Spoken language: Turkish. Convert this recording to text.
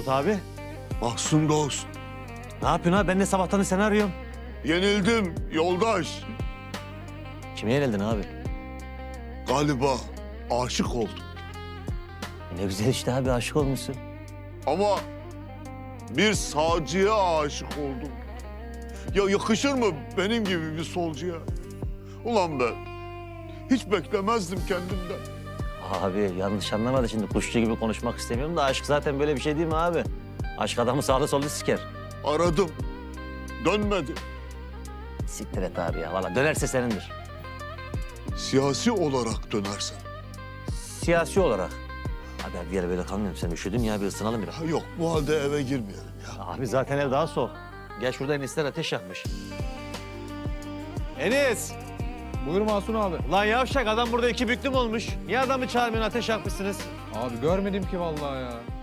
Mahmut abi? Mahsun dost. Ne yapıyorsun abi? Ben de sabahtan seni arıyorum. Yenildim yoldaş. Kime yenildin abi? Galiba aşık oldum. Ne güzel işte abi, aşık olmuşsun. Ama bir sağcıya aşık oldum. Ya yakışır mı benim gibi bir solcuya? Ulan ben hiç beklemezdim kendimden. Abi yanlış anlamadı şimdi, kuşçu gibi konuşmak istemiyorum da aşk zaten böyle bir şey değil mi abi? Aşk adamı sağda solda siker. Aradım. Dönmedi. Siktir et abi ya, valla dönerse senindir. Siyasi olarak dönersen. Siyasi olarak. Abi bir yere böyle kalmayalım, sen üşüdün ya, bir ısınalım biraz. Ha, yok bu halde eve girmeyelim ya. Abi zaten ev daha soğuk. Gel şurada Enis'ler ateş yakmış. Enis! Buyur Mahsun abi. Lan yavşak, adam burada iki büklüm olmuş. Niye adamı çağırmıyorsun, ateş yakmışsınız? Abi görmedim ki vallahi ya.